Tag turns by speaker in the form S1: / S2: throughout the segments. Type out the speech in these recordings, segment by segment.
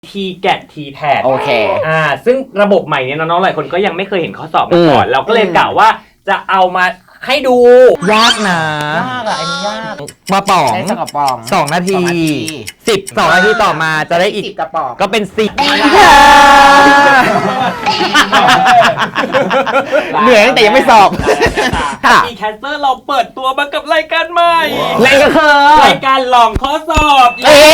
S1: ทีแกดทีแพด
S2: โอเค
S1: ซึ่งระบบใหม่เนี่ยน้องๆหลายคนก็ยังไม่เคยเห็นข้อสอบมาก่อนเราก็เลยกะว่าจะเอามาให้ดู
S3: ยากนะ
S2: ยากอะอันนี้ยาก
S3: มาป๋อง
S2: ใช้กระป๋อง
S3: 2 นาที12 นาทีต่อมาจะได้อีก
S2: 10กระป๋อง
S3: ก็เป็น10เหนื่อยตั้งแต่ยังไม่สอบ
S1: มีแคสเตอร์เราเปิดตัวมากับรายการใหม่
S3: นั่นก็คือ
S1: รายการลองข้อสอบ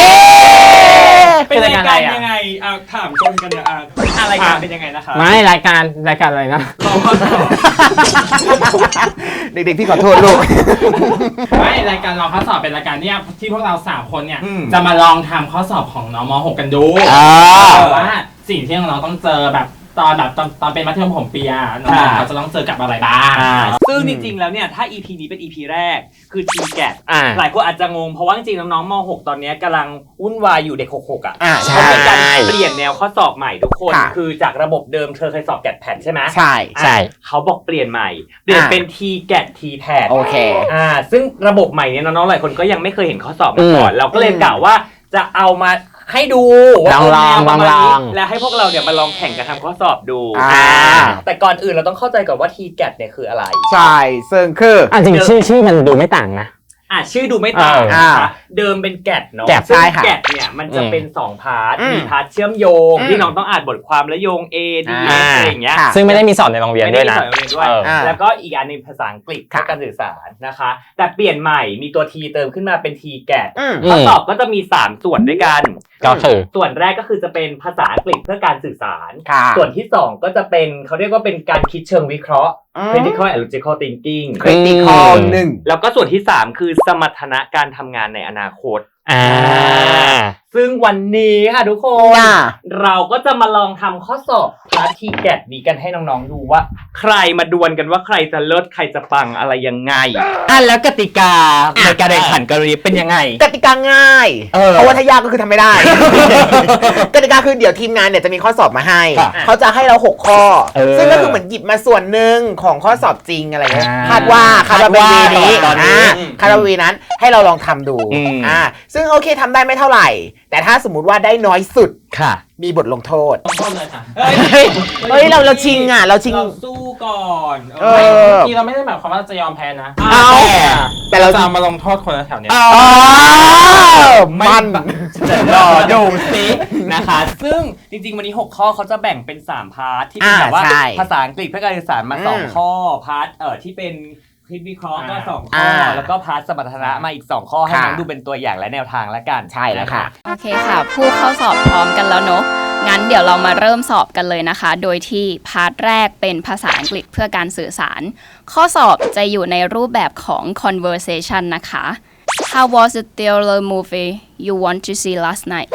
S1: เป็นรายการยังไงถามชนกันเนี่ยรายการเป็นยังไงนะคะ
S3: ไม่รายการอะไรนะ
S1: ลองข้อสอบ
S2: เด็กๆพี่ขอโทษลูก
S4: ไม่รายการลองข้อสอบเป็นรายการที่พวกเรา3 คนเนี่ยจะมาลองทำข้อสอบของน้องม.6 กันดูว่าสิ่งที่น้องต้องเจอแบบตอนเป็นมัธยมผมปีน้องเขาจะต้องเจอกับอะไรบ้าง
S1: ซึ่งจริงๆแล้วเนี่ยถ้า EP นี้เป็น EP แรกคือ TGAT หลายคนอาจจะงงเพราะว่าจริงๆน้องๆม.6 ตอนนี้กำลังวุ่นวายอยู่เด็ก66เขามีการเปลี่ยนแนวข้อสอบใหม่ทุกคนคือจากระบบเดิมเธอเคยสอบแกดแพดใช่ไหม
S3: ใช่
S1: เขาบอกเปลี่ยนใหม่เปลี่ยนเป็น TGAT TPAD
S2: โอเค
S1: ซึ่งระบบใหม่เนี่ยน้องๆหลายคนก็ยังไม่เคยเห็นข้อสอบมาก่อนเราก็เลยกะว่าจะเอามาให้ดู
S3: ลอง
S1: แล้วให้พวกเราเนี่ยมาลองแข่งกันทำข้อสอบดูแต่ก่อนอื่นเราต้องเข้าใจก่อนว่า TGAT เนี่ยคืออะไร
S2: ใช่ซึ่งคือ
S3: จริงชื่อมันดูไม่ต่างนะ
S1: ชื่อดูไม่ต่างนะคะเดิมเป็นแกดเนาะซึ่งแกดเนี่ยมันจะเป็น2 พาร์ทมีพาร์ทเชื่อมโยงที่น้องต้องอ่านบทความและโยง A D S อะไรอย่างเงี้ย
S3: ซึ่งไม่ได้มีสอนในโรงเรียนด้วยนะ
S1: แล้วก็อีกอันนึงภาษาอังกฤษเพื่อการสื่อสารนะคะแต่เปลี่ยนใหม่มีตัว T เติมขึ้นมาเป็น TGAT ข้อสอบก็จะมี3 ส่วนด้วยกัน
S3: ก็คือ
S1: ส่วนแรกก็คือจะเป็นภาษาอังกฤษเพื่อการสื่อสารส่วนที่2ก็จะเป็นเขาเรียกว่าเป็นการคิดเชิงวิเคราะห์ critical and logical thinking
S2: critical 1
S1: แล้วก็ส่วนที่3คือสมรรถนะการทำงานในอนาคตซึ่งวันนี้ค่ะทุกคนเราก็จะมาลองทำข้อสอบพาร์ท TGAT นี้กันให้น้องๆดูว่าใครมาดวลกันว่าใครจะเลิศใครจะปังอะไรยังไง
S3: แล้วกติกาในการแข่งขันกันเป็นยังไง
S2: กติกาง่ายเพราะว่าถ้ายากก็คือทำไม่ได้กติกาคือเดี๋ยวทีมงานเนี่ยจะมีข้อสอบมาให้เขาจะให้เรา6 ข้อซึ่งก็คือเหมือนหยิบมาส่วนหนึ่งของข้อสอบจริงอะไรเงี้ยคาดว่าเป็นวีนี้คาดว่าวีนั้นให้เราลองทำดูซึ่งโอเคทำได้ไม่เท่าไหร่แต่ถ้าสมมุติว่าได้น้อยสุดมีบทลงโทษ
S4: เลยค่ะ
S2: เฮ้ยเราชิงเรา
S1: สู้ก่อน
S4: เมื่อกี้เราไม่ได้หมายความว่าจะยอมแพ้นะแต่เราจะมาลงโทษคนแถวเนี้ย
S2: มัน
S1: รอดูสินะคะซึ่งจริงๆวันนี้6 ข้อเขาจะแบ่งเป็น3 พาร์ทที่เป็นแบบว่าภาษาอังกฤษเพื่อการสื่อสารมา2 ข้อพาร์ทที่เป็นคิดวิเคราะห์ก็2 ข้อแล้วก็พาร์ทสมรรถนะมาอีก2 ข้อให้น้องดูเป็นตัวอย่างและแนวทางแล้วกัน
S2: ใช่แล้วค่ะ
S5: โอเคค่ะผู้เข้าสอบพร้อมกันแล้วเนอะงั้นเดี๋ยวเรามาเริ่มสอบกันเลยนะคะโดยที่พาร์ทแรกเป็นภาษาอังกฤษเพื่อการสื่อสารข้อสอบจะอยู่ในรูปแบบของ conversation นะคะ How was the thriller movie you want to see last night?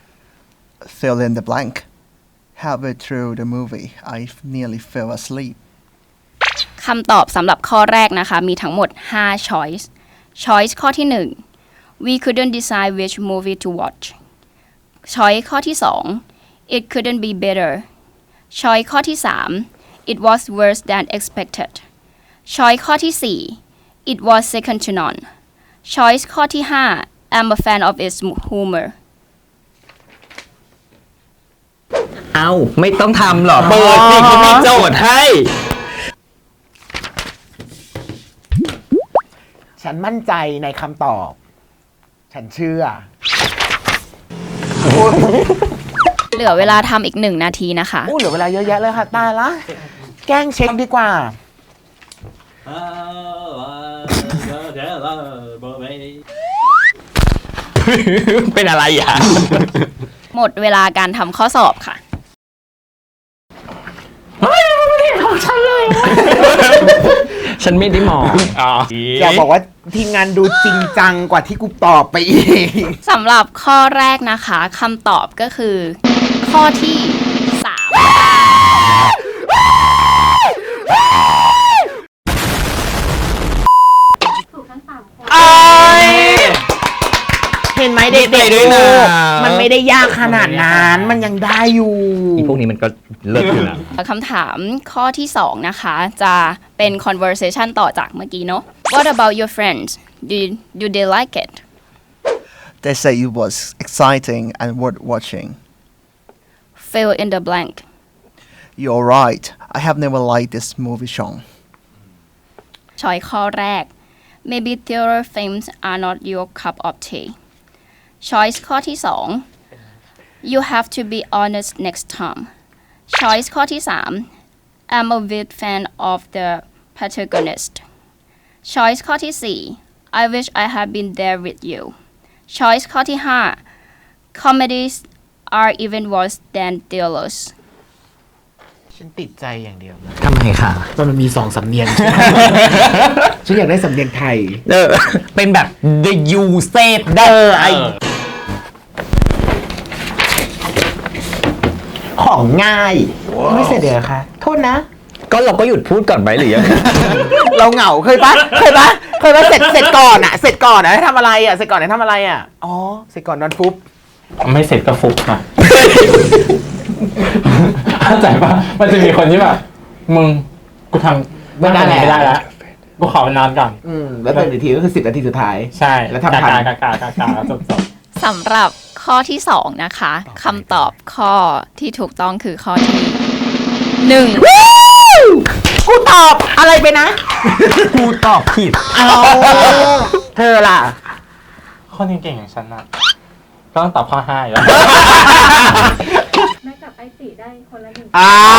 S6: Fill in the blank. Halfway through the movie, I nearly fell asleep.
S5: คำตอบสำหรับข้อแรกนะคะมีทั้งหมด5 choice choice ข้อที่1 we couldn't decide which movie to watch choice ข้อที่2 it couldn't be better choice ข้อที่3 it was worse than expected choice ข้อที่4 it was second to none choice ข้อที่5 I'm a fan of its humor
S3: ไม่ต้องทำหรอเปิดสิเขามีโจทย์ให้
S2: ฉันมั่นใจในคำตอบฉันเชื่อ
S5: เหลือเวลาทำอีก1 นาทีนะคะ
S2: เหลือเวลาเยอะแยะเลยค่ะตายละแกล้งเช็คดีกว่า
S3: เป็นอะไร
S5: หมดเวลาการทำข้อสอบค่ะ
S3: ฉันไม่ได้มอง
S2: จะบอกว่าทีมงานดูจริงจังกว่าที่กูตอบไปอีก
S5: สำหรับข้อแรกนะคะคำตอบก็คือข้อที่
S2: ถูกทั้ง3 คนเห็นไหมเด็กๆด้วยนะมันไม่ได้ยากขนาดนั้นมันยังได้อยู่
S3: พวกนี้มันก็เลิศอยู่นะ
S5: คำถามข้อที่2นะคะจะเป็น conversation ต่อจากเมื่อกี้เนาะ What about your friends? Do they like it?
S6: They say it was exciting and worth watching.
S5: fill in the blank
S6: You're right. I have never liked this movie, Sean.
S5: ช้อยข้อแรก maybe theater films are not your cup of tea choice ข้อที่สอง you have to be honest next time choice ข้อที่สาม I'm a big fan of the protagonist choice ข้อที่สี่ I wish I had been there with you choice ข้อที่ห้า comedies are even worse than thrillers
S2: ฉันติดใจอย่างเดียวนะ
S3: ทำไมคะ
S2: มันมี2 สำเนียง ฉันอยากได้สำเนียงไทย
S3: เป็นแบบ the you said ได้
S2: ของง่าย ไม่เสร็จเดี๋ยวคะโทษนะ
S3: ก็เราก็หยุดพูดก่อนไหมหรือยัง
S2: เราเหงาเคยปะเสร็จก่อนอะเสร็จก่อนอะให้ทำอะไรอะเสร็จก่อนให้ทำอะไรอะอ๋อเสร็จก่อนนอนฟุบ
S4: ไม่เสร็จก็ฟุกอ่ะ เข้าใจปะมันจะมีคนที่แบบมึงกูทำไม่ได้แล้วกูขอไปนอนก่อน
S2: แล้วตื่นอีกทีก็คือ10 นาทีสุดท้าย
S4: ใช่
S2: แล้วทำทัน
S4: กาจบ
S5: สำหรับข้อที่สองนะคะคำตอบข้อที่ถูกต้องคือข้อที่หนึ่ง
S2: กูตอบอะไรไปนะ
S3: กูตอบผิด
S2: เอาเธอล่ะ
S4: คนเก่งๆอย่างฉันน่ะก็ต้องตอบข้อ5อยู่แล้ว
S7: แม่กับไอติได้คนละ1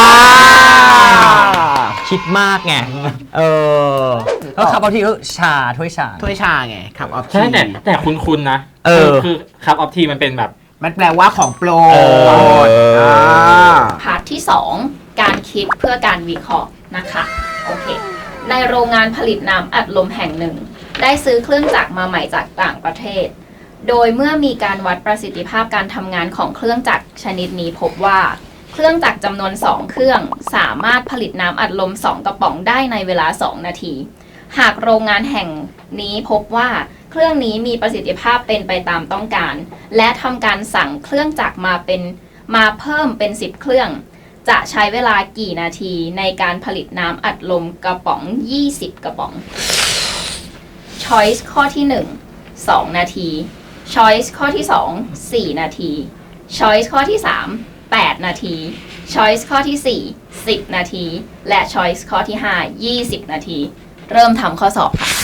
S3: คิดมากไง แล้วคำบางทีก็ชาถ้วยชา
S2: ถ้วยชาไงขับออฟ
S4: ใช่แต่คุ้นๆนะคือคัพออฟทีมันเป็นแบบ
S2: มันแปลว่าของโปรด
S5: พาร์ทที่ 2 การคิดเพื่อการวิเคราะห์นะคะโอเคในโรงงานผลิตน้ำอัดลมแห่งหนึ่ง ได้ซื้อเครื่องจักรมาใหม่จากต่างประเทศ โดยเมื่อมีการวัดประสิทธิภาพการทำงานของเครื่องจักรชนิดนี้พบว่า เครื่องจักรจำนวน 2 เครื่องสามารถผลิตน้ำอัดลม 2 กระป๋องได้ในเวลา 2 นาที หากโรงงานแห่งนี้พบว่าเครื่องนี้มีประสิทธิภาพเป็นไปตามต้องการ และทำการสั่งเครื่องจักรมาเพิ่มเป็น 10 เครื่อง จะใช้เวลากี่นาทีในการผลิตน้ำอัดลมกระป๋อง 20 กระป๋อง Choice ข้อที่ 1 2 นาที Choice ข้อที่ 2 4 นาที Choice ข้อที่ 3 8 นาที Choice ข้อที่ 4 10 นาที และ Choice ข้อที่ 5 20 นาที เริ่มทำข้อสอบค่ะ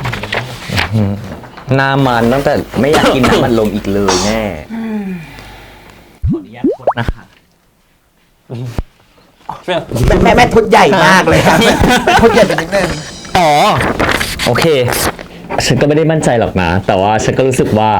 S3: หน้ามันตั้งแต่ไม่อยากกินน้ำมันลมอีกเลยแน่ ขออนุญาตกดนะคะ
S2: แม่พุดใหญ่มากเลยครับพุดใหญ่ไปนิดนึง
S3: อ๋อ โอเค ฉันก็ไม่ได้มั่นใจหรอกนะ แต่ว่าฉันก็รู้สึกว่า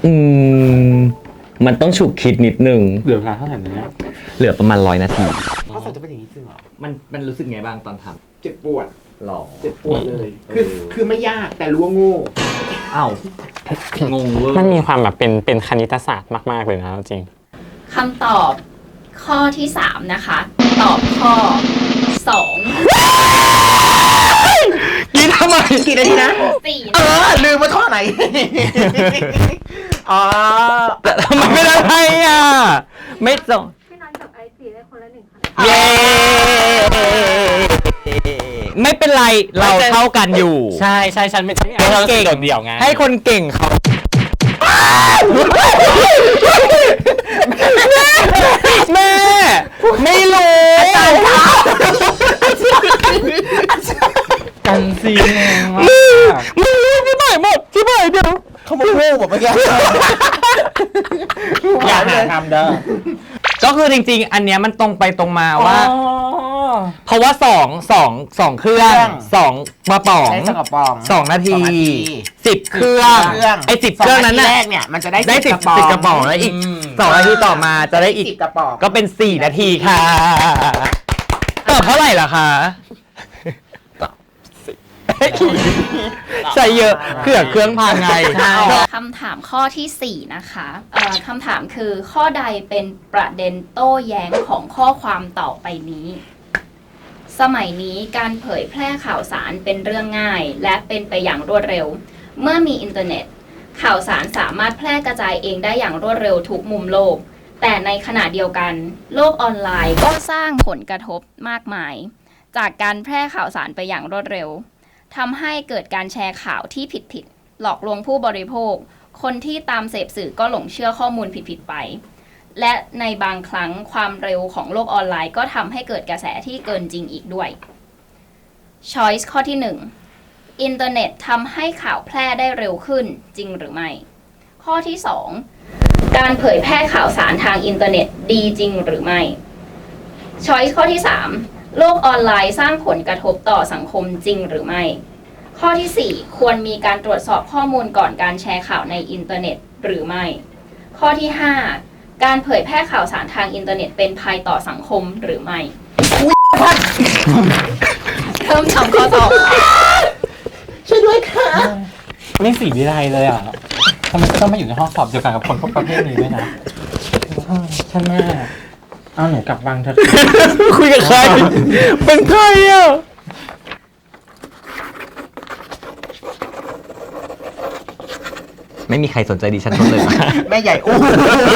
S3: มันต้องฉุกคิดนิดนึง
S4: เหลือเวลาเท่าไหร่เนี่ย
S3: เหลือประมาณ100 นาที
S2: ข้อสอบจะเป็นอย่างนี้จริงเหรอ
S3: มันรู้สึกไงบ้างตอนท
S2: เจ็บปวด
S3: ำหรอ
S2: เจ็บปวดเลย คือไม่ยากแต่รู้ว่าโง่
S3: อ้าว งงเวอร์
S4: มันมีความแบบเป็นคณิตศาสตร์มากๆเลยนะจริง
S5: คำตอบข้อที่ 3 นะคะ ตอบข้อ
S2: กินทำไมกี่นาทีนะ
S5: 4
S2: ลืมว่าข้อไหน อ๋อ
S3: แต่ทำไมไม่ได้ให้อ่ะ ไม่ส่ง
S7: พี่นัทกับไอติได้คนละ1 คะแนน
S3: เย้ ไม่เป็นไร เราเท่ากันอยู่
S4: ใช่ฉันไม่ใช่เราเก่งเดี่ยวไง
S3: ให้คนเก่งเขาแม่ ไม่รู้
S4: กันซีแรงมาก
S3: มึงรู้ที่ไหนหมดที่ไหนเดียว
S2: เขามาโง่หมดเมื่อกี้
S4: อย่าหาทำเด้อ
S3: ก็คือจริงๆ อันเนี้ยมันตรงไปตรงมาว่า เพราะว่าสองเครื่อง2 กระป๋อง
S2: ใช้สกปรอง
S3: 2 นาที
S2: 2 นาที
S3: 10 เครื่องไอ้10 เครื่องนั้น
S2: 2 นา
S3: น่ะ
S2: ทีแรกเนี่ยมันจะได้
S3: ได้10 กระป๋องแล้วอีก2 นาทีต่อมาจะได้อีก
S2: 10 กระป๋อง
S3: ก็เป็น4 นาทีค่ะตอบเท่าไหร่ล่ะคะใส่เยอะเผื่อเครื่องพังไง
S5: คำถามข้อที่ 4 นะคะคำถามคือข้อใดเป็นประเด็นโต้แย้งของข้อความต่อไปนี้ สมัยนี้การเผยแพร่ข่าวสารเป็นเรื่องง่าย และเป็นไปอย่างรวดเร็ว เมื่อมีอินเทอร์เน็ต ข่าวสารสามารถแพร่กระจายเองได้อย่างรวดเร็วทุกมุมโลก แต่ในขณะเดียวกัน โลกออนไลน์ก็สร้างผลกระทบมากมาย จากการแพร่ข่าวสารไปอย่างรวดเร็วทำให้เกิดการแชร์ข่าวที่ผิดหลอกลวงผู้บริโภค คนที่ตามเสพสื่อก็หลงเชื่อข้อมูลผิดๆไปและในบางครั้งความเร็วของโลกออนไลน์ก็ทำให้เกิดกระแสที่เกินจริงอีกด้วย Choice ข้อที่ 1 อินเทอร์เน็ตทำให้ข่าวแพร่ได้เร็วขึ้นจริงหรือไม่ ข้อที่ 2 การเผยแพร่ข่าวสารทางอินเทอร์เน็ตดีจริงหรือไม่ Choice ข้อที่ 3 โลกออนไลน์สร้างผลกระทบต่อสังคมจริงหรือไม่ ข้อที่ 4 ควรมีการตรวจสอบข้อมูลก่อนการแชร์ข่าวในอินเทอร์เน็ตหรือไม่ ข้อที่ 5 การเผยแพร่ข่าวสารทางอินเทอร์เน็ตเป็นภัยต่อสังคมหรือไม่เริ่มทำข้อสอบ
S2: ช่วยด้วยค่ะ
S4: ไม่สีวิไลเลยอ่ะทำไมต้องมาอยู่ในห้องสอบเดียวกันกับคนพวกประเภทนี้ด้วยนะท่านแม่เอาหนูกลับวังเถอะ
S3: คุยกับใคร เป็นใครอ่ะ ไม่มีใครสนใจดิฉันเลย
S2: แม่ใหญ่โอ้โห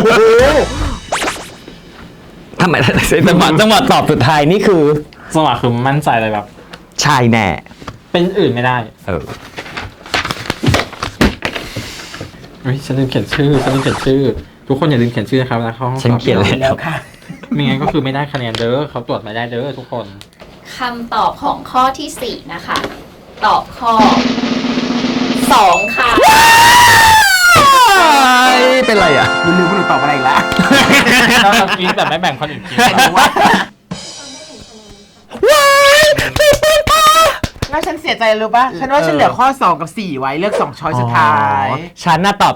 S3: ทำไมจังหวะตอบสุดท้ายนี่คือ
S4: สมัครคือมั่นใจเลยแบบ
S3: ชายแน่
S4: เป็นอื่นไม่ได้ ฉันลืมเขียนชื่อ ทุกคนอย่าลืมเขียนชื่อนะครับแล้วเข้าห้องสอบ
S3: ฉันเขียนแล้วค่ะ
S4: ไม่งั้นก็คือไม่ได้คะแนนเด้อเขาตรวจไม่ได้เด้อทุกคน
S5: คำตอบของข้อที่ 4 นะคะ ตอบข้อ 2 ค่ะ
S3: เป็นไรอ่ะ
S2: ลืมๆคุณหนูตอบอะไรอีกแล้ว
S4: เรากินแบบไม่แบ่งคนอื่นกิน
S2: แล้วฉันเสียใจรู้ป่ะ ฉันว่าฉันเหลือข้อ 2 กับ 4 ไว้เลือก2ช้อยสุดท้าย
S3: ฉันน่ะตอบ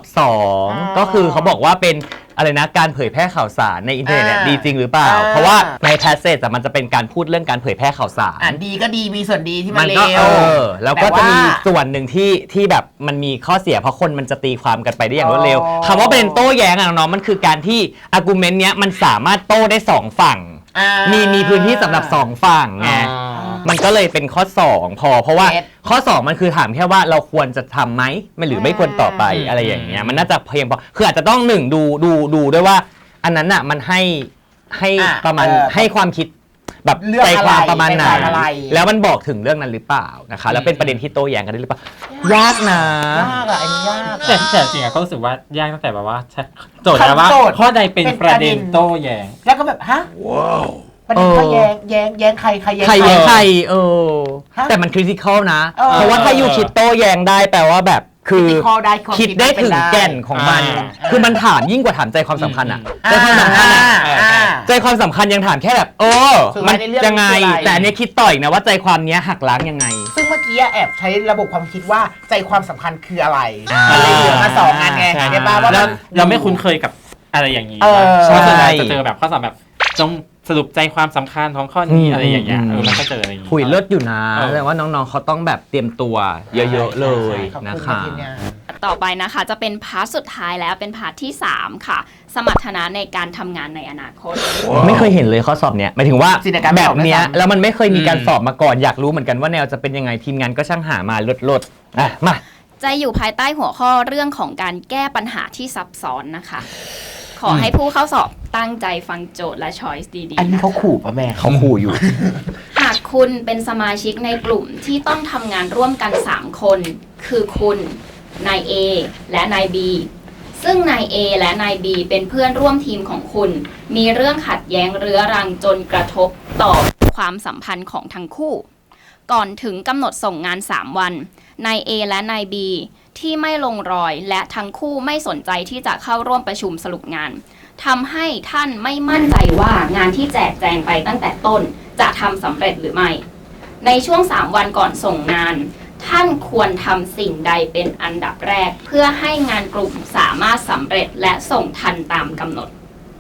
S3: 2 ก็คือเขาบอกว่าเป็นอะไรนะการเผยแพร่ข่าวสารในอินเทอร์เน็ตดีจริงหรือเปล่า เพราะว่าในแพสเซจมันจะเป็นการพูดเรื่องการเผยแพร่ข่าวสาร
S2: ดีก็ดีมีส่วนดีที่มันเล
S3: ก็
S2: ว
S3: แล้วก็จะมีส่วนหนึ่งที่แบบมันมีข้อเสียเพราะคนมันจะตีความกันไปได้อย่างรวดเร็วคำว่าเป็นโต้แย้งอะน้องๆมันคือการที่อาร์กิวเมนต์เนี้ยมันสามารถโต้ได้2ฝั่งมีพื้นที่สำหรับ2ฝั่งไงมันก็เลยเป็นข้อ2เพราะว่าข้อ2มันคือถามแค่ว่าเราควรจะทำไหมไม่หรือไม่ควรต่อไปอะไรอย่างเงี้ยมันน่าจะเพียงพอคืออาจจะต้องดูด้วยว่าอันนั้นอ่ะมันให้ประมาณให้ความคิดแบบใจความประมาณไหนแล้วมันบอกถึงเรื่องนั้นหรือเปล่านะคะแล้วเป็นประเด็นที่โต้แย้งกันได้หรือเปล่ายากนะ
S2: ยากอะอันนี้ยาก
S4: แต่จริงอะก็รู้สึกว่ายากตั้งแต่แบบว่าโจทย์นะว่าข้อใดเป็นประเด็นโต้แย้ง
S2: แล้วก็แบบฮะประเด็นข้อแย้งใครแย้ง
S3: ใครแต่มันคริติคอลนะเพราะว่าถ้าอยู่คิดโต้แย้งได้แปลว่าแบบคือคิดได้ถึงแก่นของมันคือมันถามยิ่งกว่าถามใจความสำคัญอะใจความสำคัญอะใจความสำคัญยังถามแค่แบบมันยังไงแต่อันนี้คิดต่ออีกนะว่าใจความเนี้ยหักล้างยังไง
S2: ซึ่งเมื่อกี้แอบใช้ระบบความคิดว่าใจความสำคัญคืออะไรมันเลยเหลือมา2 อันไงเดี๋ยวป้าว่า
S4: เราไม่คุ้นเคยกับอะไรอย่างนี้เพราะส่วนใหญ่จะเจอแบบข้อสอบแบบจงสรุปใจความสำคัญของข้อนี้อะไรอย่างเงี้ยมันก็เจออะไรอย่างงี้
S3: คุยเลิศอยู่นะแต่ว่าน้องๆเขาต้องแบบเตรียมตัวเยอะๆเลยนะคะ
S5: ต่อไปนะคะจะเป็นพาร์ทสุดท้ายแล้วเป็นพาร์ทที่ 3 ค่ะ สมรรถนะในการทำงานในอนาคต
S3: ไม่เคยเห็นเลยข้อสอบเนี้ยหมายถึงว่าแบบเนี้ยแล้วมันไม่เคยมีการสอบมาก่อนอยากรู้เหมือนกันว่าแนวจะเป็นยังไงทีมงานก็ช่างหามาลดมา
S5: จะอยู่ภายใต้หัวข้อเรื่องของการแก้ปัญหาที่ซับซ้อนนะคะขอให้ผู้เข้าสอบตั้งใจฟังโจทย์และช้อยส์ดีๆ
S2: อันนี้เขาขู่ป่ะแม่
S3: เขาขู่อยู่
S5: หากคุณเป็นสมาชิกในกลุ่มที่ต้องทำงานร่วมกัน3 คนคือคุณนาย A และนาย B ซึ่งนาย A และนาย B เป็นเพื่อนร่วมทีมของคุณมีเรื่องขัดแย้งเรื้อรังจนกระทบต่อความสัมพันธ์ของทั้งคู่ก่อนถึงกำหนดส่งงาน3 วันนาย A และนาย B ที่ไม่ลงรอยและทั้งคู่ไม่สนใจที่จะเข้าร่วมประชุมสรุปงานทำให้ท่านไม่มั่นใจว่างานที่แจกแจงไปตั้งแต่ต้นจะทำสำเร็จหรือไม่ในช่วง3 วันก่อนส่งงานท่านควรทำสิ่งใดเป็นอันดับแรกเพื่อให้งานกลุ่มสามารถสำเร็จและส่งทันตามกำหนด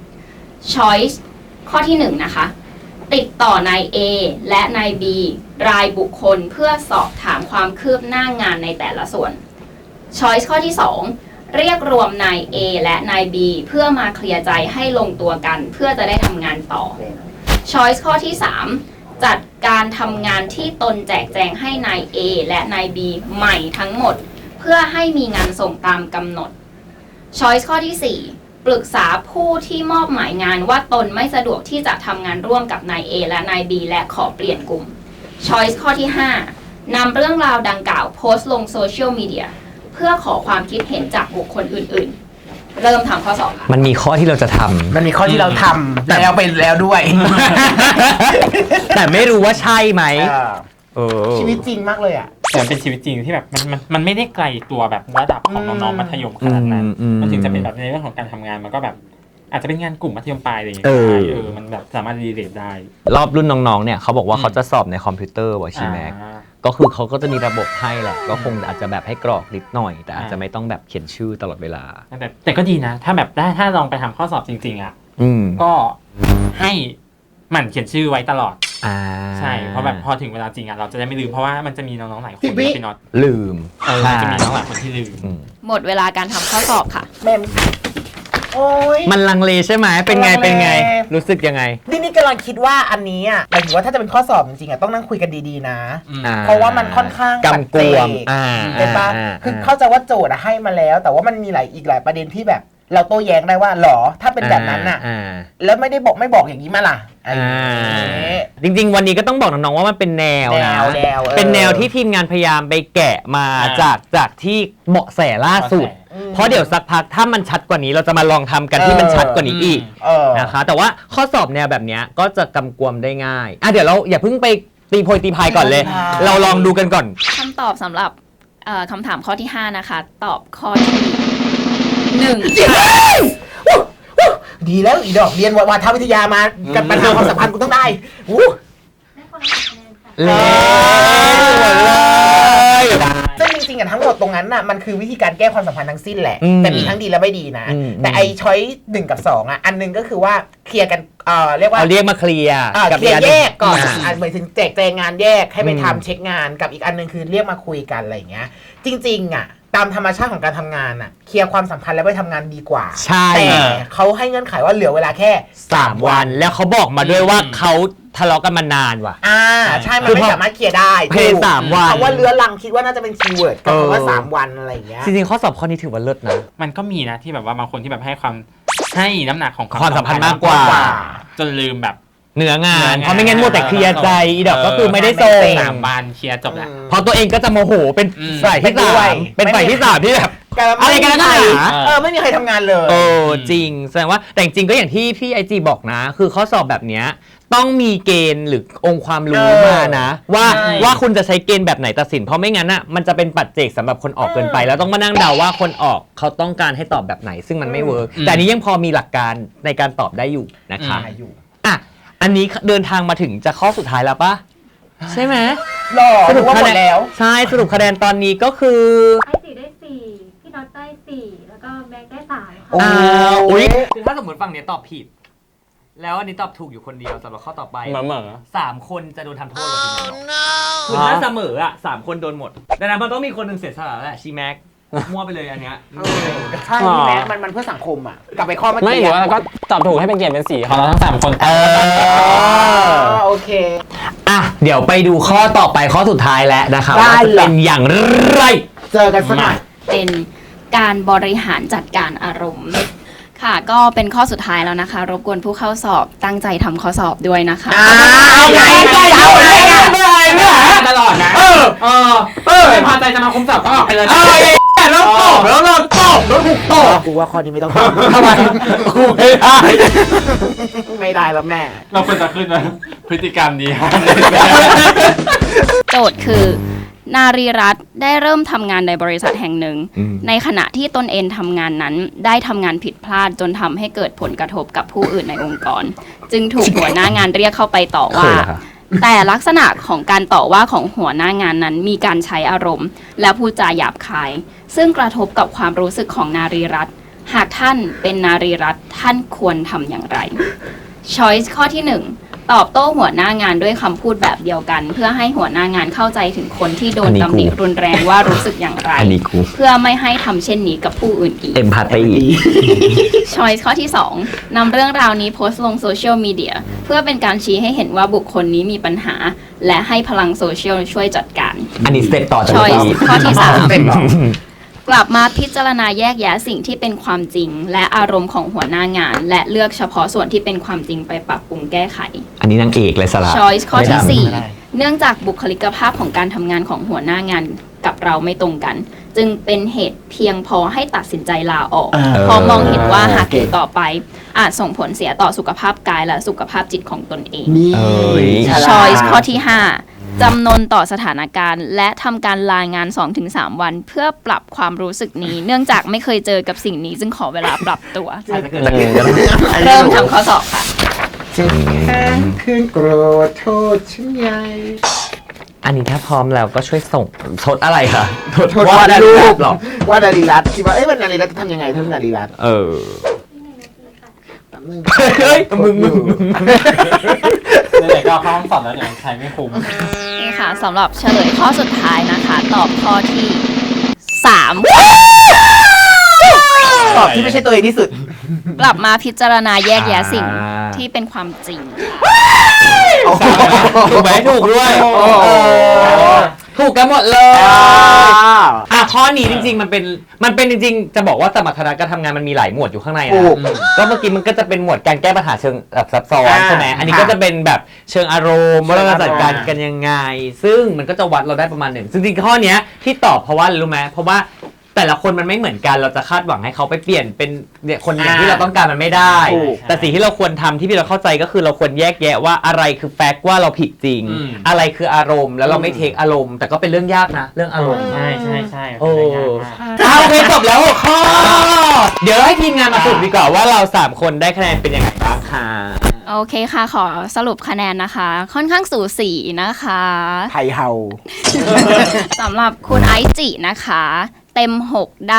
S5: Choice ข้อที่ 1 นะคะติดต่อนาย A และนาย B รายบุคคลเพื่อสอบถามความคืบหน้างานในแต่ละส่วน Choice ข้อที่ 2 เรียกรวมนาย A และนาย B เพื่อมาเคลียร์ใจให้ลงตัวกันเพื่อจะได้ทำงานต่อ Choice ข้อที่ 3 จัดการทำงานที่ตนแจกแจงให้นาย A และนาย B ใหม่ทั้งหมดเพื่อให้มีงานส่งตามกำหนด Choice ข้อที่ 4 ปรึกษาผู้ที่มอบหมายงานว่าตนไม่สะดวกที่จะทำงานร่วมกับนาย A และนาย B และขอเปลี่ยนกลุ่ม Choice ข้อที่ 5 นำเรื่องราวดังกล่าวโพสต์ลงโซเชียลมีเดียเพื่อขอความคิดเห็นจากบุคคลอื่นเริ่มทำข้อสอบค่ะ
S3: มันมีข้อที่เราจะทำ
S2: มันมีข้อที่เราทำแล้วไปแล้วด้วย
S3: แต่ไม่รู้ว่าใช่ไหม
S2: ชีวิตจริงมากเลยอ่ะ
S4: แต่มันเป็นชีวิตจริงที่แบบมันไม่ได้ไกลตัวแบบระดับของน้องๆมัธยมขนาดนั้น มันถึงจะเป็นแบบในเรื่องของการทำงานมันก็แบบอาจจะเป็นงานกลุ่มมัธยมปลายอะไรอย่างเงี้ยมันแบบสามารถรีเลทได้
S3: รอบรุ่นน้องๆเนี่ยเขาบอกว่าเขาจะสอบในคอมพิวเตอร์วอชิแม็กก็คือเขาก็จะมีระบบให้แหละก็คงอาจจะแบบให้กรอกนิดหน่อย แต่อาจจะไม่ต้องแบบเขียนชื่อตลอดเวลา
S4: แต่ก็ดีนะ ถ้าแบบถ้าลองไปทำข้อสอบจริงๆอ่ะ ก็ให้หมั่นเขียนชื่อไว้ตลอดใช่เพราะแบบพอถึงเวลาจริงอ่ะเราจะได้ไม่ลืมเพราะว่ามันจะมีน้องๆหลายคนที่เป็นน็อต
S3: ลืม
S4: มันจะมีน้องหลายคนที่ลืม
S5: หมดเวลาการทำข้อสอบค่ะ
S2: แม่โอ้ย
S3: มันลังเลใช่ไหมเป็นไง รู้สึกยังไง
S2: นี่กำลังคิดว่าอันนี้อ่ะหมายถึงว่าถ้าจะเป็นข้อสอบจริงๆอ่ะต้องนั่งคุยกันดีๆนะ เพราะว่ามันค่อนข้าง
S3: กำกวม
S2: เป็นปะคือเข้าใจว่าโจทย์ให้มาแล้ว แต่ว่ามันมีอีกหลายประเด็นที่แบบเราโต้แย้งได้ว่าหรอถ้าเป็นแบบนั้นน่ะแล้วไม่บอกอย่างนี้มาล่ะ
S3: จริงๆวันนี้ก็ต้องบอกน้องๆว่ามันเป็นแนวนะเป็นแนวที่ทีมงานพยายามไปแกะมาจากที่เบาะแสล่าสุดเพราะเดี๋ยวสักพักถ้ามันชัดกว่านี้เราจะมาลองทำกันที่มันชัดกว่านี้อีกนะคะแต่ว่าข้อสอบแนวแบบนี้ก็จะกำกวมได้ง่ายเดี๋ยวเราอย่าเพิ่งไปตีโพยตีพายก่อนเลยเราลองดูกันก่อน
S5: คำตอบสำหรับคำถามข้อที่ 5 นะคะ ตอบข้อที่ 1
S2: ดีแล้วอีดอกเรียนวาทวิทยามากันปัญหาความสัมพันธ์กูต้องได้
S7: ได้คนละคะแนนค่ะ
S2: ซึ่งจริงๆทั้งหมดตรงนั้นน่ะมันคือวิธีการแก้ความสัมพันธ์ทั้งสิ้นแหละแต่มีทั้งดีและไม่ดีนะแต่ไอ้ช้อย1 กับ 2อ่ะอันนึงก็คือว่าเคลียร์กันเรียกว่า
S3: เรียกมาเคลียร์
S2: เคลียร์แยกก่อนหมายถึงแจกแจงงานแยกให้ไปทำเช็คงานกับอีกอันนึงคือเรียกมาคุยกันอะไรอย่างเงี้ยจริงๆอ่ะตามธรรมชาติของการทำงานน่ะเคลียร์ความสัมพันธ์แล้วไปทำงานดีกว่า
S3: ใช่
S2: แต่เขาให้เงื่อนไขว่าเหลือเวลาแค่
S3: 3 วันแล้วเขาบอกมาด้วยว่าเขาทะเลาะกันมานานว่ะ
S2: ใช่มันไม่สามารถเคลียร์ได้
S3: เพย์3 วัน
S2: เพราะว่าเรื้อรังคิดว่าน่าจะเป็นคีย์เวิร์ดกับคำว่า3 วันอะไรอย่างเงี้ย
S3: จริงๆข้อสอบข้อนี้ถือว่าเลิศนะ
S4: มันก็มีนะที่แบบว่าบางคนที่แบบให้น้ำหนักของ
S3: ความสัมพันธ์มากกว่า
S4: จนลืมแบบ
S3: เนื้องานเพราะไม่งั้นมัวแต่เคลียร์ใจอีดอกก็คือไม่ได้ส่ง
S4: 3 วันเคลียร์จบแล้ว
S3: พอตัวเองก็จะโมโหเป็นฝ่ายที่3เป็นฝ่ายที่3ที่แบบอะไรกันนะ
S2: ไม่มีใครทำงานเลย
S3: จริงแสดงว่าแต่จริงก็อย่างที่พี่IGบอกนะคือข้อสอบแบบเนี้ยต้องมีเกณฑ์หรือองค์ความรู้มานะว่าคุณจะใช้เกณฑ์แบบไหนตัดสินเพราะไม่งั้นอ่ะมันจะเป็นปัจเจกสำหรับคนออกเกินไปแล้วต้องมานั่งเดาว่าคนออกเขาต้องการให้ตอบแบบไหนซึ่งมันไม่เวิร์กแต่นี้ยังพอมีหลักการในการตอบได้อยู่นะคะอันนี้เดินทางมาถึงจะข้อสุดท้ายแล้วปะใช่ไหม
S2: สรุปคะแนนแล้ว
S3: ใช่สรุปคะแนนตอนนี้ก็คือ
S7: ไอตีได้4พี่น็อตได้4แล้วก็แบงค์ได้3
S3: ค่ะ
S1: คือถ้าสมมติฝั่งนี้ตอบผิดแล้วอันนี้ตอบถูกอยู่คนเดียวสำหรับข้อต่อไป3 คนจะโดนทำโทษกับทีมงานคือถ้าเสมอ3 คนโดนหมดดังนั้นมันต้องมีคนหนึ่งเสียสละแหละชีแม็กมั่วไปเลยอันเนี้ย
S2: ใช่พี่แม็กมันเพื่อสังคมอ่ะกลับไปข้อเมื่อกี้
S4: ไม่หรือว่าก็ตอบถูกให้เป็นเกียรติเป็น4ของเราทั้ง3 คน
S2: โอเค
S3: เดี๋ยวไปดูข้อต่อไปข้อสุดท้ายแล้วนะคะว่าจะเป็นอย่างไร
S2: เจอกันสักหน่อย
S5: เป็นการบริหารจัดการอารมณ์ค่ะก็เป็นข้อสุดท้ายแล้วนะคะรบกวนผู้เข้าสอบตั้งใจทำข้อสอบด้วยนะคะ
S4: ตลอดนะไม่พอใจจะมาคุมสอบก็ออกไปเลย
S3: แล้วตอบแล้วถูกตอบ
S2: กูว่าข้อนี้ไม่ต้องทำ
S3: ทำไมกู
S2: ไม่ได้แล้วแม่
S4: เราควรจะขึ้นนะพฤติกรรมนี้
S5: โจทย์คือนารีรัตน์ได้เริ่มทำงานในบริษัทแห่งหนึ่งในขณะที่ตนเองทำงานนั้นได้ทำงานผิดพลาดจนทำให้เกิดผลกระทบกับผู้อื่นในองค์กรจึงถูกหัวหน้างานเรียกเข้าไปต่อว่าแต่ลักษณะของการต่อว่าของหัวหน้างานนั้นมีการใช้อารมณ์และพูดจาหยาบคายซึ่งกระทบกับความรู้สึกของนารีรัตน์หากท่านเป็นนารีรัตน์ท่านควรทำอย่างไร Choice ข้อที่ 1ตอบโต้หัวหน้างานด้วยคำพูดแบบเดียวกันเพื่อให้หัวหน้างานเข้าใจถึงคนที่โดนตำหนิรุนแรงว่ารู้สึกอย่างไรเพื่อไม่ให้ทำเช่นนี้กับผู้อื่นอีกChoice ข้อที่ 2นำเรื่องราวนี้โพสต์ลงโซเชียลมีเดียเพื่อเป็นการชี้ให้เห็นว่าบุคคลนี้มีปัญหาและให้พลังโซเชียลช่วยจัดการ
S3: อันนี้สเต็ปต่อจาก
S5: Choice ข้อที่ 3กลับมาพิจารณาแยกแยะสิ่งที่เป็นความจริงและอารมณ์ของหัวหน้างานและเลือกเฉพาะส่วนที่เป็นความจริงไปปรับปรุงแก้ไข
S3: อันนี้นางเอกเลยสละ
S5: Choice ข้อที่ 4เนื่องจากบุคลิกภาพของการทำงานของหัวหน้างานกับกับเราไม่ตรงกัน จึงเป็นเหตุเพียงพอให้ตัดสินใจลาออกเพราะมองเห็นว่าหากอยู่ต่อไปอาจส่งผลเสียต่อสุขภาพกายและสุขภาพจิตของตนเอง
S2: นี่
S5: Choice ข้อที่ 5 จำนนต่อสถานการณ์และทำการลางาน 2-3 วัน เพื่อปรับความรู้สึกนี้ เนื่องจากไม่เคยเจอกับสิ่งนี้จึงขอเวลาปรับตัว เริ่มทำข้อสอบค่ะ
S2: คืนโกรธโทษฉันใหญ่
S3: อันนี้ถ้าพร้อมแล้วก็ช่วยส่งโทษอะไรคะ
S2: โทษวาดรูปหรอวาดนารีรัตน์คิดว่ามันนารีรัตน์จะทำยังไงถ้านารีรัตน์
S3: เฮ้ยมึง
S4: ไหนๆก็เข้าห้องสอบแล้วเนี่ยใครไม่คุ้ม
S5: นี่ค่ะสำหรับเฉลยข้อสุดท้ายนะคะ ตอบข้อที่ 3
S2: ตอบที่ไม่ใช่ตัวเองที่สุด
S5: กลับมาพิจารณาแยกแยะสิ่งที่เป็นความจริง
S3: ถูกไหมถูกด้วยถูกกันหมดเลย ข้อนี้จริงๆมันเป็นจริงๆจะบอกว่าสมรรถนะการทำงานมันมีหลายหมวดอยู่ข้างในนะก็เมื่อกี้มันก็จะเป็นหมวดการแก้ปัญหาเชิงแบบซับซ้อนใช่ไหมอันนี้ก็จะเป็นแบบเชิงอารมณ์ว่าเราจะจัดการกันยังไงซึ่งมันก็จะวัดเราได้ประมาณหนึ่งจริงๆข้อนี้ที่ตอบเพราะว่าอะไรรู้ไหมเพราะว่าแต่ละคนมันไม่เหมือนกันเราจะคาดหวังให้เขาไปเปลี่ยนเป็นเนี่ยคนอย่างที่เราต้องการมันไม่ได้แต่สิ่งที่เราควรทำที่เราเข้าใจก็คือเราควรแยกแยะว่าอะไรคือแฟกต์ว่าเราผิดจริงอะไรคืออารมณ์แล้วเราไม่เทคอารมณ์แต่ก็เป็นเรื่องยากนะเรื่องอารมณ์
S4: ใช่
S3: โอ้โอเคจบแล้ว6ข้อเดี๋ยวให้ทีมงานมาสรุปดีกว่าว่าเรา3คนได้คะแนนเป็นยังไงบ้างค่ะ
S5: โอเคค่ะขอสรุปคะแนนนะคะ ค่อนข้างสูสีนะคะ
S2: ไทยเฮา
S5: สำหรับคุณไอจินะคะเต็ม 6 ได้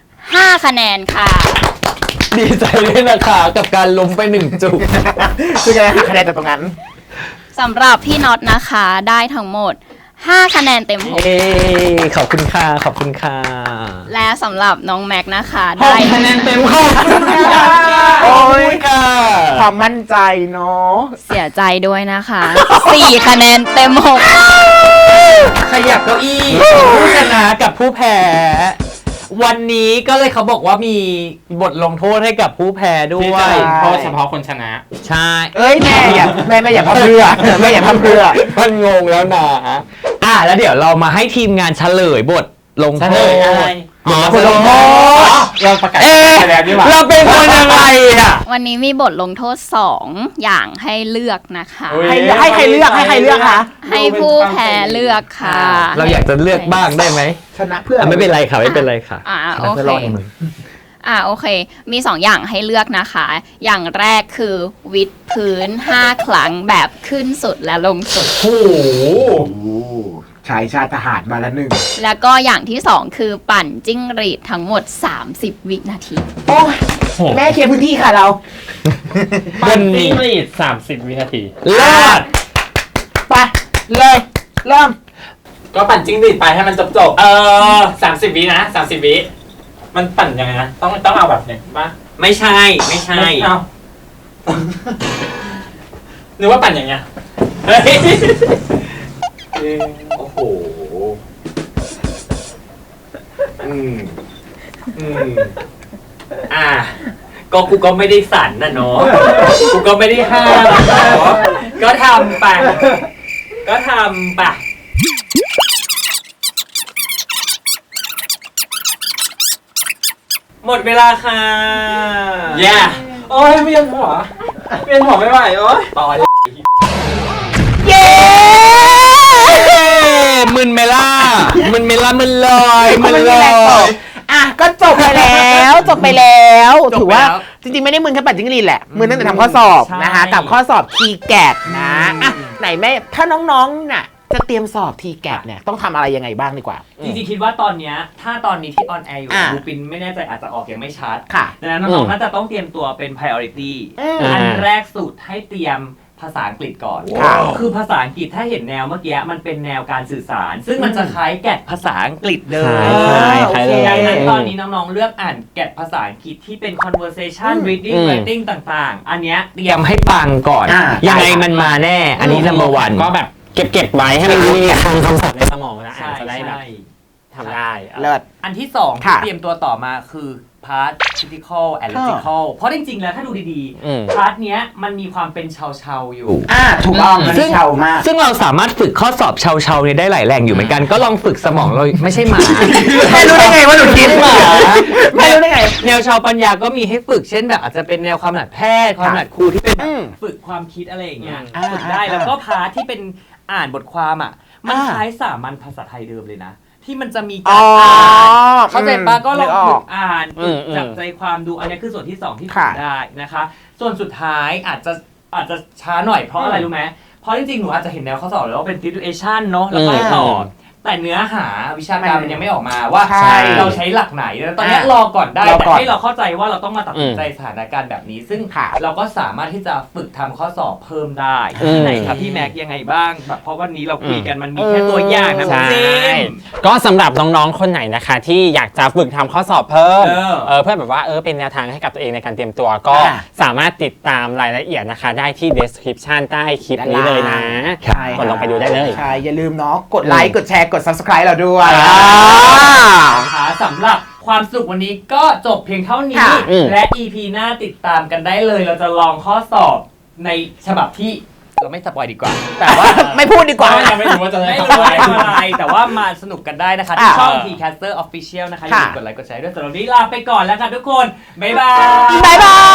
S5: 5 คะแนนค่ะ
S3: ดีใจด้วยนะคะกับการล้มไป1จุด
S2: คือจะได้คะแนนจากตรงนั้น
S5: สำหรับพี่น็อตนะคะได้ทั้งหมด 5 คะแนนเต็ม 6
S3: ขอบคุณค่ะขอบคุณค่ะ
S5: และสำหรับน้องแม็กนะคะได้
S3: คะแนนเต็มขอบคุณค่ะ
S2: โอ้ย
S3: ค่ะ
S2: ความมั่นใจเนาะ
S5: เสียใจด้วยนะคะ 4 คะแนนเต็ม
S3: ขยับเก้าอี้ผู้ชนะกับผู้แพ้วันนี้ก็เลยเขาบอกว่ามีบทลงโทษให้กับผู้แพ้ด้
S4: ที่
S3: ว
S4: จะ
S3: ย
S4: ลงโทษเฉพาะคนชนะ
S3: ใช่
S2: เอ้ยแม่อย่าพับเพื่อแม่อย่าพับเพื่อ
S3: มันงงแล้วนะแล้วเดี๋ยวเรามาให้ทีมงานเฉลยบทลงโทษบทลงโทษ
S4: เราประกาศไปแล้วดีกว่า
S3: เราเป็นคนยังไงอ่ะ
S5: 6 วันนี้มีบทลงโทษ 2 อย่างให้เลือกนะคะ
S2: ให้ใครเลือกคะ
S5: ให้ผู้แพ้เลือกค่ะ
S3: เราอยากจะเลือกบ้างได้ไหม
S2: ชนะเพื่อ
S3: ไม่เป็นไรค่ะไม่เป็นไรค่ะ
S5: โอเคโอเค มี 2 อย่างให้เลือกนะคะ อย่างแรกคือวิดพื้น 5 ครั้งแบบขึ้นสุดและลงสุด
S2: โอ้โหชายชาติทหารมาแล้วหนึ่ง
S5: แล้วก็อย่างที่ 2 คือปั่นจิ้งหรีดทั้งหมด 30 วินาที
S2: โอ้ยแม่เคลียร์พื้นที่ค่ะเรา
S4: ปั่นจิ้งหรีด30 วินาที
S3: เลิศ
S2: ไปเลยเริ่ม
S4: ก็ปั่นจิ้งหรีดไปให้มันจบ30 วินะ30 วิมันปั่นยังไงนะต้องเอาแบบเนี่ยป่ะ
S3: ไม่ใช่ไม่ใช่
S4: เอานึกว่าปั่นอย่างเงี้ยเฮ้ย
S3: โอ้โหก็กูก็ไม่ได้สั่นนะเนาะกูก็ไม่ได้ห้ามเนาะก็ทำไปหมดเวลาค่ะ
S4: โอ้ยเวียนหัวไม่ไหวโอ้ย
S3: ต่อเย้ มึนเมล่ามึนลอย
S2: ก็จบไปแล้วถือว่าจริงๆไม่ได้มึนแค่ปั่นจิ้งหรีดแหละมึนตั้งแต่ทำข้อสอบนะคะกับข้อสอบ TGAT นะไหนแม่ถ้าน้องๆน่ะจะเตรียมสอบ TGAT เนี่ยต้องทำอะไรยังไงบ้างดีกว่า
S1: จริงๆคิดว่าตอนเนี้ยถ้าตอนนี้ที่ออนแอร์อยู่บูปินไม่แน่ใจอาจจะออกยังไม่ชัด
S2: ค่ะ
S1: ดังนั้นน้องๆน่าจะต้องเตรียมตัวเป็น priority อันแรกสุดให้เตรียมภาษาอังกฤษก่อน คือภาษาอังกฤษถ้าเห็นแนวเมื่อกี้มันเป็นแนวการสื่อสาร ซึ่งมันจะคล้ายแกดภาษาอังกฤษเลย
S3: คล้ายเลย
S1: ดังนั้นตอนนี้น้องๆเลือกอ่านแกดภาษาอังกฤษที่เป็น conversation reading writing ต่างๆ อันเนี้ยเตรียมให้ปังก่อน
S3: ยังไงมันมาแน่ อันนี้ number one
S4: ก็แบบเก็บไว้ให้มันมีคำศัพท์ในสมองนะอ่านจะได้แบบทำได้
S2: เลิศ
S1: อันที่สองที่เตรียมตัวต่อมาคือพาร์ท critical and logical เพราะจริงๆแล้วถ้าดูดีๆพาร์ทเนี้ยมันมีความเป็นชาวๆอยู่
S2: ถูกต้องมันเชามาก
S3: ซึ่งเราสามารถฝึกข้อสอบเชาๆเนี่ยได้หลายแหล่งอยู่เหมือนกันก็ลองฝึกสมองเราไม่ใช่หมา
S2: ไม่รู้ได้ไงว่าหนูคิดหมาไม่รู้ได้ไง
S3: แนวชาวปัญญาก็มีให้ฝึกเช่นแบบอาจจะเป็นแนวความถนัดแพทย์ความถนัดครูที่เป็น
S1: ฝึกความคิดอะไรอย่างเงี้ยฝึกได้แล้วก็พาร์ทที่เป็นอ่านบทความอ่ะมันคล้ายสามัญภาษาไทยเดิมเลยนะที่มันจะมีการอ่านเข้าใจปะก็ลองฝึกอ่านจับใจความดูอันนี้คือส่วนที่2ที่ฝึกได้นะคะส่วนสุดท้ายอาจจะช้าหน่อยเพราะอะไรรู้ไหมเพราะจริงๆหนูอาจจะเห็นแนวข้อสอบแล้วว่าเป็น situation เนาะแล้วก็ตอบแต่เนื้อหาวิชาการมันยังไม่ออกมาว่าเราใช้หลักไหนแล้วตอนนี้รอก่อนได้แต่ให้เราเข้าใจว่าเราต้องมาตัดสินใจสถานการณ์แบบนี้ซึ่งเราก็สามารถที่จะฝึกทำข้อสอบเพิ่มได้ไหนครับพี่แม็กยังไงบ้างเพราะวันนี้เราคุยกันมันมีแค่ตัวอย่างนะจริง
S8: ก็สำหรับน้องๆคนไหนนะคะที่อยากจะฝึกทำข้อสอบเพิ่มเพื่อแบบว่าเป็นแนวทางให้กับตัวเองในการเตรียมตัวก็สามารถติดตามรายละเอียดนะคะได้ที่ description ใต้คลิปนี้เลยนะกดลงไปดูได้เลย
S2: ใช่อย่าลืมเนาะกดไลค์กดแชร์กด subscribe เราด้วย
S1: สำหรับความสุขวันนี้ก็จบเพียงเท่านี้และ EP หน้าติดตามกันได้เลยเราจะลองข้อสอบในฉบับที่เราไม่สปอยดีกว่าแต่ว่า
S2: ไม่พูดดีกว่า
S4: ยังไม่รู้ว่าจะได้
S1: อะไรแต่ว่ามาสนุกกันได้นะคะที่ช่อง Tcaster Official นะคะอย่าลืมกดไลค์กดแชร์ด้วยสำหรับวันนี้ลาไปก่อนแล้วค่ะทุกคนบ๊ายบาย